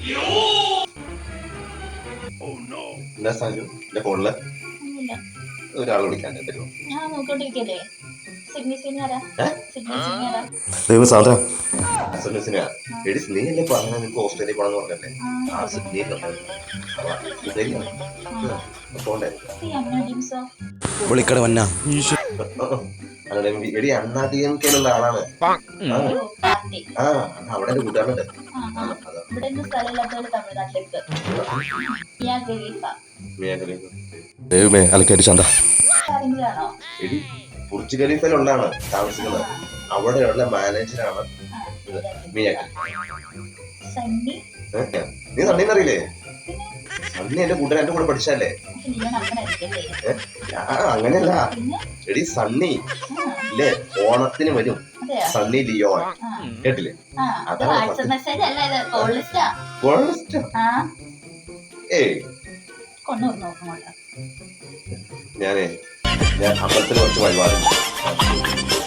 എന്താ സാജു എന്റെ ഫോണില് ഒന്നുമില്ല. ഒരാൾ വിളിക്കാൻ തരുമോ? ഞാൻ നോക്കിക്കൊണ്ടിരിക്കല്ലേ. സിഗ്നി സീനിയറാ. സിഗ്നി സീനിയറാ. സാധാ അസമിസിനാ എടി നീ അല്ലേ പറഞ്ഞ നിനക്ക് ഓസ്ട്രേലിയ പോണെന്ന് പറഞ്ഞല്ലേ? ആ ആ സിഡ്നിയിലുണ്ട്. പോണ്ടേ? ഈ അമ്മ ടീംസോ. വിളിക്കട വന്ന അങ്ങനെ എടി അണ്ണാ ഡി എം കെയിലുള്ള ആളാണ്. ഓ പാർട്ടി. ആ അവിടെ എന്റെ കൂട്ടുകാരുണ്ട്. ആ ആ. ഇവിടെ ഒന്നും സ്ഥലമില്ലാത്തവര് തമിഴ്നാട്ടിലേക്ക്. മിയാ ഖലീഫ. ദൈവമേ അലക്കടി ചന്ത കാര്യങ്ങളാണോ? എടി ബുർജ് ഖലീഫയിലുള്ളതാണ് താമസിക്കുന്നത്. അവിടെയുള്ള മാനേജറാണ് മിയ. സണ്ണി. നീ സണ്ണിന്നറിയില്ലേ? സണ്ണി എന്റെ കൂട്ടുകാരൻ എന്റെ കൂടെ പഠിച്ചല്ലേ? ലിയോൺ അപ്പനായിരിക്കല്ലേ? അങ്ങനെയല്ല പിന്നെ എടി സണ്ണി ഇല്ലേ ഓണത്തിന് വരും. അതെയോ? സണ്ണി ലിയോൺ കേട്ടില്ലേ? അത് വാട്സപ്പ് മെസ്സേജ് അല്ല, ഇത് കോൾ ലിസ്റ്റാ. കോളസ്റ്റ് ആ ഏയ് കൊണ്ടുവന്നു നോക്കും. ഞാൻ അമ്പലത്തിൽ കുറച്ച് വഴിപാടുണ്ട്.